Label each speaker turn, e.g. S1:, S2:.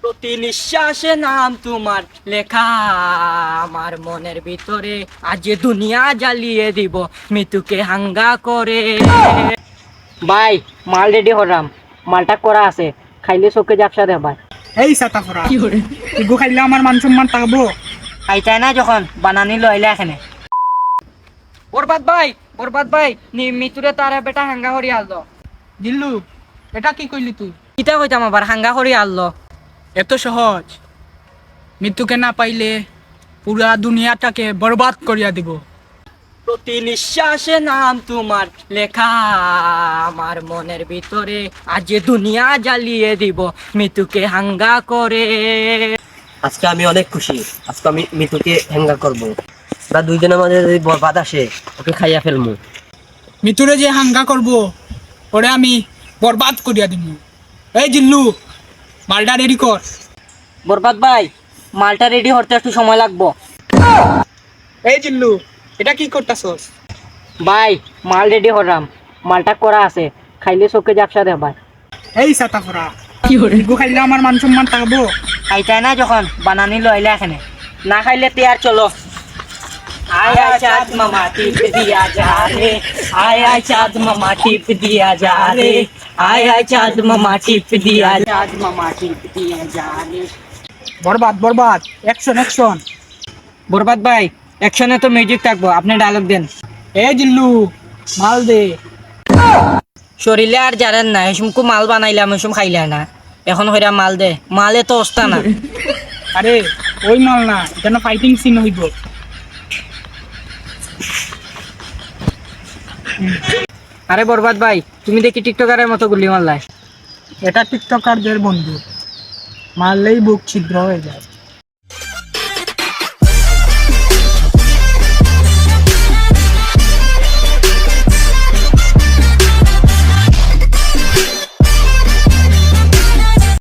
S1: প্রতি নিঃশ্বাসে নাম তোমার লেখা আমার মনের ভিতরে, আজ দুনিয়া জ্বালিয়ে দিব মৃত্যুকে হাঙ্গা করে। ভাই মাল রেডি হরাম, মালটা করা আছে, খাইলে চোখে জাপসা দে ভাই।
S2: এই সাতা ফরা ইগো খাইলে আমার মান সম্মান থাকবো।
S1: খাইতাই না যখন বানানি লইলে এখানে। বরবাদ ভাই মৃত্যুরে তার বেটা হাঙ্গা হরি আললো।
S2: দিল্লু, এটা কি কইলি তুই?
S1: কিতা কইতাম আবার, হাঙ্গা হরি আললো।
S2: এত সহজ? মৃত্যুকে না পাইলে পুরা দুনিয়াটাকে বরবাদ করিয়া দিব।
S1: প্রতি নিঃশ্বাসে নাম তোমার লেখা আমার মনের ভিতরে, আজ দুনিয়া জ্বালিয়ে দিব মৃত্যুকে হাঙ্গা করে।
S3: আজকে আমি অনেক খুশি, আজকে আমি মিতুকে হ্যাঙ্গা করবো। বা দুইজনের মাঝে যদি বরবাদ আসে ওকে খাইয়া ফেলবো।
S2: মৃত্যুরে যে হাঙ্গা করব ওরে আমি বরবাদ করিয়া দিব। এই জিল্লু, মালটা রেডি কর।
S1: বরবাদ ভাই মালটা রেডি হতে একটু সময় লাগবো।
S2: এই জিল্লু, এটা কি করতাছস?
S1: ভাই মাল রেডি হরাম, মালটা করা আছে, খাইলে চোখে জাপসা দে ভাই।
S2: এই সাতা ফরা ইগো খাইলে আমার মান সম্মান থাকবো।
S1: খাইতাই না যখন বানানি লইলে এখানে, না খাইলে তেয়ার চলো। आया चाँद मामा टिप दिया जा रे, आया चाँद मामा टिप दिया जा रे, आया चाँद मामा टिप दिया, चाँद मामा टिप दिया जा रे।
S2: বরবাদ বরবাদ, অ্যাকশন অ্যাকশন।
S1: বরবাদ ভাই অ্যাকশনে তো মিউজিক থাকবো, আপনি ডায়লগ দেন।
S2: এই জিল্লু, মাল দে।
S1: শরীরে আর জানেন না এসমকু মাল বানাইলাম, এসম খাইলে না, এখন হইরা মাল দে, মালে তো অস্তা না।
S2: আরে ওই মাল না, এটা না ফাইটিং সিন হইব।
S1: আরে বরবাদ ভাই তুমি দেখি টিকটকারের মতো গুলি মারলাই।
S2: এটা টিকটকারদের বন্ধু, মারলেই বুক ছিদ্র হয়ে যায়।